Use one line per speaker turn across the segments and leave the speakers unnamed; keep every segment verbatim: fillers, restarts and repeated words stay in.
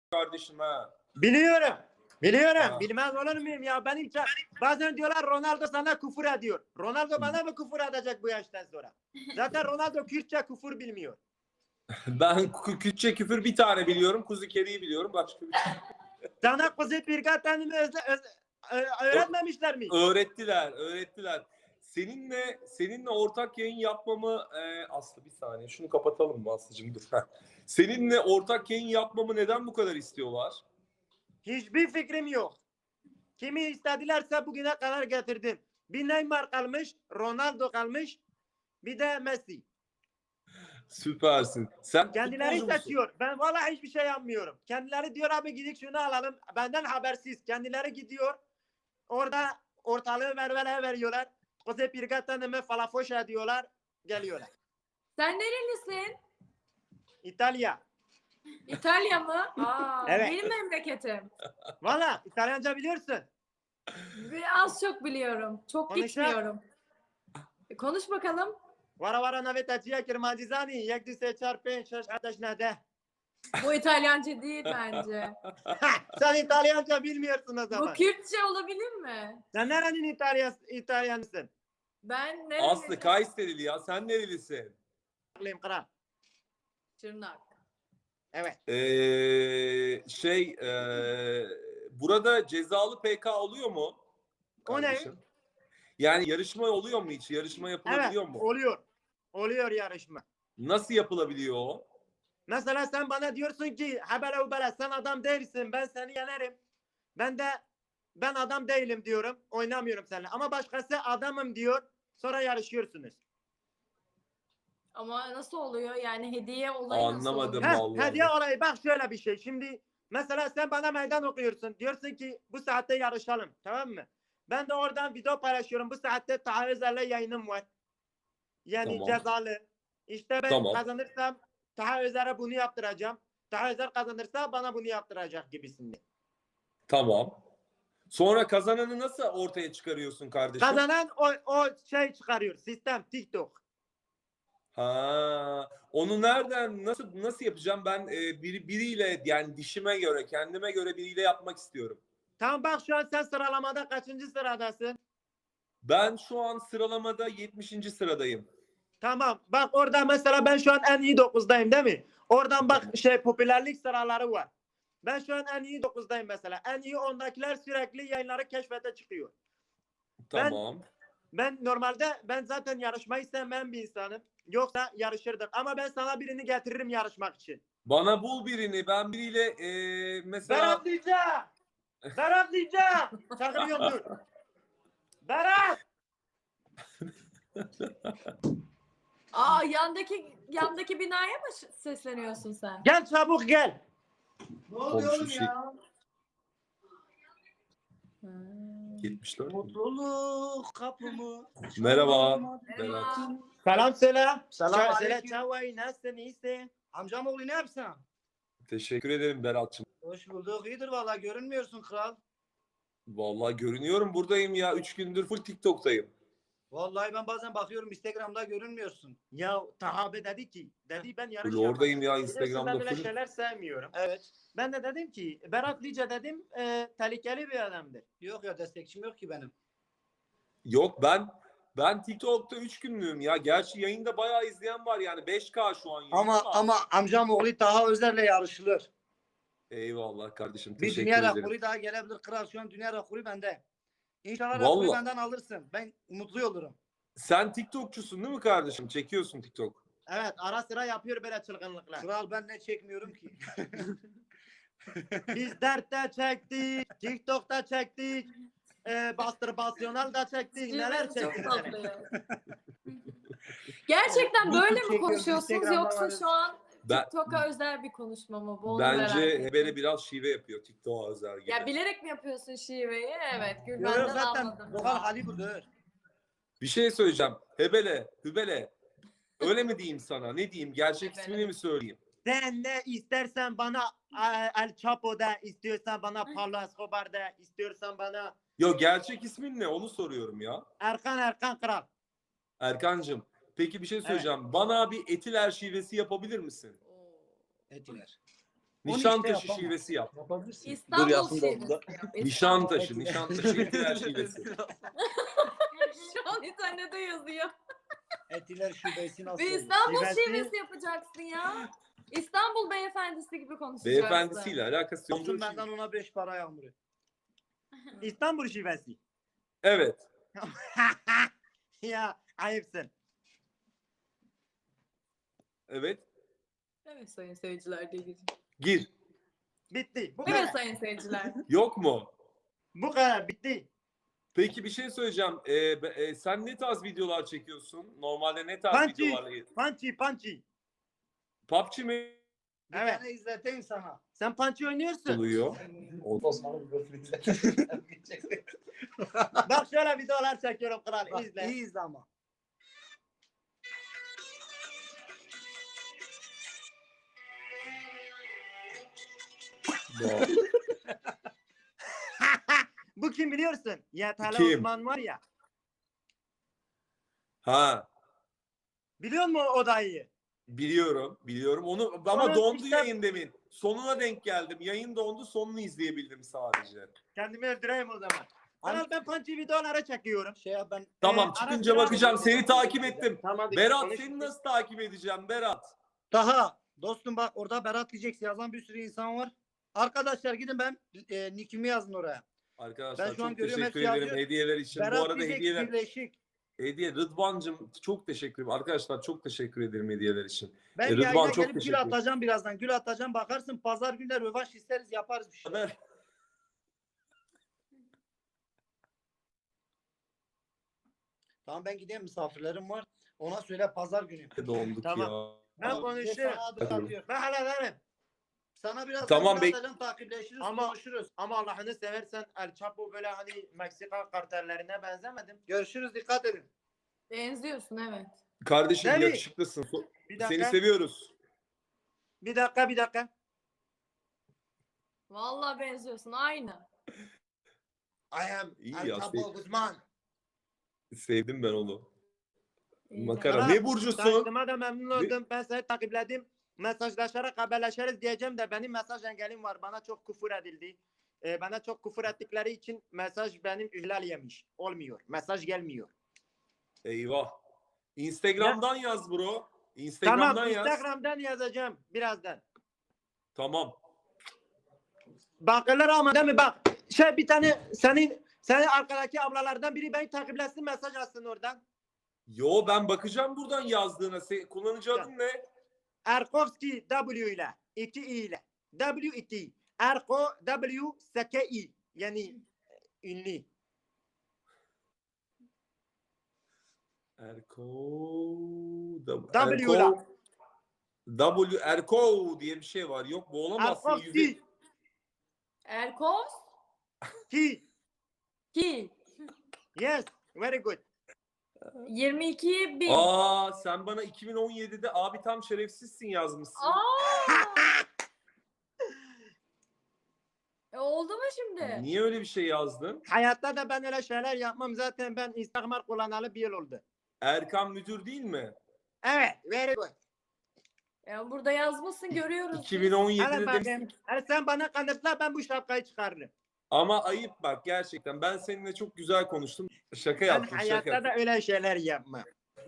kardeşim ha.
Biliyorum. Biliyorum.
Ha.
Bilmez olur muyum ya? Benim ça- bazen diyorlar Ronaldo sana küfür ediyor. Ronaldo bana mı küfür edecek bu yaştan sonra? Zaten Ronaldo Kürtçe küfür bilmiyor.
Ben kü- Kürtçe küfür bir tane biliyorum. Kuzu keriyi biliyorum. Başka bir şey.
Sana Kuzey Pirgatan'ı özle, öz, ö- öğretmemişler mi?
Öğrettiler, öğrettiler. Seninle seninle ortak yayın yapmamı e, Aslı bir saniye şunu kapatalım mı Aslı'cığım dur. Seninle ortak yayın yapmamı neden bu kadar istiyorlar?
Hiçbir fikrim yok. Kimi istedilerse bugüne kadar getirdim. Bir Neymar kalmış, Ronaldo kalmış, bir de Messi.
Süpersin. Sen
Kendileri
futbolcu musun?
seçiyor. Ben vallahi hiçbir şey yapmıyorum. Kendileri diyor abi gidik şunu alalım. Benden habersiz. Kendileri gidiyor. Orada ortalığı verveleye veriyorlar. Kuzey Pirgatan'ımı falafoş ediyorlar. Geliyorlar.
Sen nerelisin?
İtalya.
İtalya mı? Aa,
Evet.
benim memleketim.
Valla İtalyanca biliyorsun.
Az çok biliyorum. Çok
Konuşa.
gitmiyorum. E, Konuş bakalım.
Vara vara navetaciye kirmacizani. Yek dise çarpın şaş kardeş ne de.
Bu İtalyanca değil bence.
Sen İtalyanca bilmiyorsun o
Bu
zaman.
Kürtçe olabilir mi?
Sen nerenin İtalyan, İtalyanısın?
Ben nereli?
Aslı Kayserili ya. Sen nerelisin?
Aklım kral.
Çırnak.
Evet.
Ee, şey e, burada cezalı P K oluyor mu?
O ne?
Kardeşim? Yani yarışma oluyor mu hiç? Yarışma
Evet.
yapılabiliyor mu?
Oluyor. Oluyor yarışma.
Nasıl yapılabiliyor o?
Mesela sen bana diyorsun ki habere ubere sen adam değilsin ben seni yenerim. Ben de ben adam değilim diyorum. Oynamıyorum seninle. Ama başkası adamım diyor. Sonra yarışıyorsunuz.
Ama nasıl oluyor? Yani hediye olayı nasıl
Anlamadım.
oluyor?
Heh,
Vallahi.
hediye olayı bak şöyle bir şey. Şimdi mesela sen bana meydan okuyorsun. Diyorsun ki bu saatte yarışalım. Tamam mı? Ben de oradan video paylaşıyorum. Bu saatte Taha Özer'le yayınım var. Yani
Tamam.
cezalı. İşte ben
Tamam.
kazanırsam Taha Özer'e bunu yaptıracağım. Taha Özer kazanırsa bana bunu yaptıracak gibisinden.
Tamam. Sonra kazananı nasıl ortaya çıkarıyorsun kardeşim?
Kazanan o, o şey çıkarıyor. Sistem TikTok.
Ha, onu nereden nasıl nasıl yapacağım? Ben e, biri biriyle yani dişime göre, kendime göre biriyle yapmak istiyorum.
Tamam bak şu an sen sıralamada kaçıncı sıradasın?
Ben şu an sıralamada yetmişinci sıradayım.
Tamam. Bak orada mesela ben şu an en iyi dokuzdayım değil mi? Oradan bak şey popülerlik sıraları var. Ben şu an en iyi dokuzdayım mesela. En iyi ondakiler sürekli yayınları keşfete çıkıyor.
Tamam.
Ben normalde ben zaten yarışmayı sevmeyen bir insanım. Yoksa yarışırdık. Ama ben sana birini getiririm yarışmak için.
Bana bul birini. Ben biriyle e, mesela
Berat diyeceğim. Berat diyeceğim. Çağırıyorum dur. Berat.
Aa, yandaki yandaki binaya mı ş- sesleniyorsun sen?
Gel çabuk gel.
Ne oluyor
Komşu
oğlum
şey-
ya?
Hmm.
yetmiş dört.
Mutluluk kapımı.
Merhaba.
Merhaba.
Berat.
Selam söyle.
Selam
Ça- Söyle
aleyküm.
çavay nasılsın iyisin?
Amcam oğlu ne yapsın?
Teşekkür ederim Berat'cığım.
Hoş bulduk. İyidir valla görünmüyorsun kral.
Vallahi görünüyorum buradayım ya. Üç gündür full TikTok'tayım.
Vallahi ben bazen bakıyorum Instagram'da görünmüyorsun.
Ya Tahabe dedi ki dedi ben yarış
Full oradayım ya
Biliyorsun ben
Instagram'da
böyle
full.
şeyler sevmiyorum.
Evet.
Ben de dedim ki Berat Lice dedim e, tehlikeli bir adamdır.
Yok ya destekçim yok ki benim.
Yok ben ben TikTok'ta üç günlüğüm ya. Gerçi yayında bayağı izleyen var yani beş K şu an. yayın
Ama ama amcam oğlu Taha Özer'le yarışılır.
Eyvallah kardeşim.
Bir
Teşekkür
dünya
ederim.
rekoru daha gelebilir kral. Şu an dünya rekoru bende. İnşallah
Vallahi.
rekoru benden alırsın. Ben mutlu olurum.
Sen TikTokçusun değil mi kardeşim? Çekiyorsun TikTok.
Evet ara sıra yapıyor böyle çılgınlıklar.
Kral ben ne çekmiyorum ki.
Biz dertte çektik, TikTok'ta çektik, e, Bastırbasyonel da çektik, neler
Çok
çektik.
tatlı ya. Gerçekten böyle mi
Çekiyoruz,
konuşuyorsunuz
Instagram'da
yoksa
varız.
şu an
Ben,
TikTok'a özel bir konuşma mı? Bu onu
bence
merak ettim.
Hebele biraz şive yapıyor TikTok'a özel gibi.
Ya bilerek mi yapıyorsun şiveyi? Evet,
Yok
Gülben'den
yok zaten
anladım.
Doğal hali budur.
Bir şey söyleyeceğim. Hebele, Hübele. Öyle mi diyeyim sana? Ne diyeyim? Gerçek
Hebele.
ismini mi söyleyeyim?
Sen ne istersen bana e, El Chapo'da, istiyorsan bana Pablo Escobar'da, istiyorsan bana
Yo gerçek ismin ne? Onu soruyorum ya.
Erkan Erkan Kral.
Erkancığım. Peki bir şey söyleyeceğim. Bana bir etiler şivesi yapabilir misin?
Oo.
Etiler.
Nişantaşı
işte yapamam.
şivesi yap.
Yapabilirsin.
İstanbul
Yasin
şivesi
Bozda.
yap. İstanbul.
Nişantaşı, Nişantaşı etiler şivesi.
Şu an internette yazıyor.
Etiler şubesi nasıl
Bir
olur?
İstanbul
Şivesi-
şivesi yapacaksın ya. İstanbul beyefendisi gibi konuşacaksın.
Beyefendisiyle alakası yok.
Olsun benden ona beş para yağmuru.
İstanbul şivesi.
Evet.
Ya ayıpsın.
Evet.
Evet sayın seyirciler diye gireceğim.
Gir.
Bitti. Bu
Evet
kadar.
sayın seyirciler.
Yok mu?
Bu kadar bitti.
Peki bir şey söyleyeceğim. Ee, be- e, sen ne tarz videolar çekiyorsun? Normalde ne tarz
Pançi.
videolarla?
Pançi pançi.
P U B G mi
Bir
Evet.
tane izleteyim sana.
Sen pançi oynuyorsun.
oluyor?
Osman'ın bir izle.
Bak şöyle videolar çekiyorum kral.
Bak,
İzle.
iyi izle ama.
Bu kim biliyorsun? Yatalı
Kim?
Osman var ya.
Ha,
Biliyor musun o dayıyı?
biliyorum, biliyorum. Onu ama
Onun
dondu
işte-
yayın demin. Sonuna denk geldim. Yayın dondu, sonunu izleyebildim sadece.
Kendimi öldüreyim o zaman. Kral ben pançi videoları çekiyorum.
Şey yap ben
Tamam,
Ee,
çıkınca
ara sıra-
bakacağım. Seni takip ettim.
Tamam hadi.
Berat,
konuş.
seni nasıl takip edeceğim Berat?
daha dostum bak orada Berat diyeceksin yazan bir sürü insan var. Arkadaşlar gidin ben e, nickimi yazın oraya.
Arkadaşlar
Ben şu an
çok
görüyorum,
teşekkür
hepsi
ederim
yazıyor.
hediyeler için. Bu
Berat
arada
diyecek
hediyeler
birleşik.
hediye Rıdvan'cığım çok teşekkür ederim. Arkadaşlar çok teşekkür ederim hediyeler için.
Ben
E, Rıdvan,
yayına
çok
gelip
teşekkür
gül atacağım birazdan. Gül atacağım bakarsın pazar günler rövanş isteriz yaparız bir şey.
Haber.
Tamam ben gideyim misafirlerim var. Ona söyle pazar günü.
Donduk
Tamam.
ya.
Ben
Tamam, bir de
konuşurum.
sana adım
Hadi.
atıyor.
Ben hallederim.
Sana biraz
Tamam,
daha
bek-
atacağım, takipleşiriz
Ama-
konuşuruz.
Ama Allah'ını seversen El Chapo böyle hani Meksika kartellerine benzemedim.
Görüşürüz dikkat edin.
Benziyorsun evet.
Kardeşim
Tabii.
yakışıklısın. So-
Bir
Seni
dakika.
seviyoruz.
Bir dakika bir dakika.
Vallahi benziyorsun aynı.
I am
İyi
El
ya,
Chapo
sen-
Guzman.
Sevdim ben onu.
İyi
Makara.
Kral,
Ne burcusun?
Tanıştığıma da memnun
Ne-
oldum. Ben seni takipledim. Mesajlaşarak haberleşiriz diyeceğim de benim mesaj engelim var. Bana çok küfür edildi. Ee, bana çok küfür ettikleri için mesaj benim ihlal yemiş. Olmuyor. Mesaj gelmiyor.
Eyvah. Instagram'dan yaz bro. Instagram'dan
Tamam
yaz.
Instagram'dan yazacağım birazdan.
Tamam.
Bakırlar ama değil mi bak. Şey bir tane senin senin arkadaki ablalardan biri beni takiplesin mesaj atsın oradan.
Yo ben bakacağım buradan yazdığına. Se- kullanıcı adın ne?
Erkovski W ile iki i ile W iki Erko W S K I yani ünlü.
Erko W,
W
Erko W Erko diye bir şey var. Yok bu olamazsın. Yüzü...
Erkovski
Erkos
ki
ki
yes very good.
yirmi iki bin.
Aa sen bana iki bin on yedide abi tam şerefsizsin yazmışsın.
Aa! E, oldu mu şimdi?
Niye öyle bir şey yazdın?
Hayatta da ben öyle şeyler yapmam zaten ben Instagram kullanalı bir yıl oldu.
Erkan müdür değil mi?
Evet very good.
Ya burada yazmışsın görüyoruz. biz.
iki bin on yedide
Hele
demişsin
bakayım.
ki-
Hele sen bana kanıtla ben bu şapkayı çıkarırım.
Ama ayıp bak gerçekten. Ben seninle çok güzel konuştum. Şaka
Ben
yaptım
hayatta
şaka.
da öyle şeyler yapmam.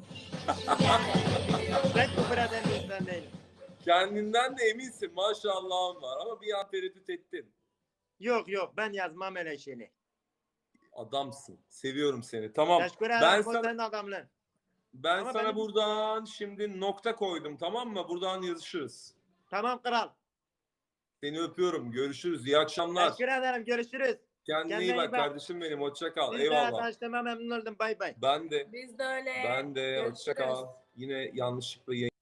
Ben küfür eden bir insan değilim.
Kendinden de eminsin maşallahın var ama bir an tereddüt ettin.
Yok yok ben yazmam öyle şeyleri.
Adamsın. Seviyorum seni. Tamam.
Teşekkür ederim.
Ben
Ben
sana
senin adamlığın.
ben
Ama
sana
benim-
buradan şimdi nokta koydum tamam mı? Buradan yazışırız.
Tamam kral.
Seni öpüyorum. Görüşürüz. İyi akşamlar.
Teşekkür ederim. Görüşürüz.
Kendine
Kendine
iyi
iyi
bak
bak.
kardeşim benim. Hoşça kal.
Biz de
Eyvallah.
tanıştığıma memnun oldum. Bay bay.
Ben de.
Biz de öyle.
Ben de.
Görüşürüz.
Hoşça kal. Yine yanlışlıkla yayın.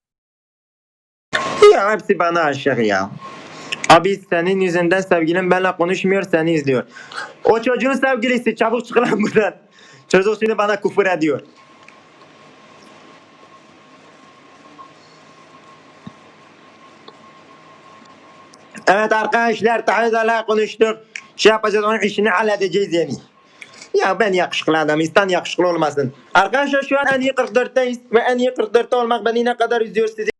Ya hepsi bana aşık ya. Abi senin yüzünden sevgilin benimle konuşmuyor seni izliyor. O çocuğun sevgilisi çabuk çık lan buradan. Çocuk şimdi bana küfür ediyor. Evet arkadaşlar Tahiz'le konuştuk. Şey yapacağız onun işini halledeceğiz yani. Ya ben yakışıklı adam insan yakışıklı olmasın. Arkadaşlar şu an en iyi kırk dörtteyiz ve en iyi kırk dörtte olmak beni ne kadar üzüyor sizi.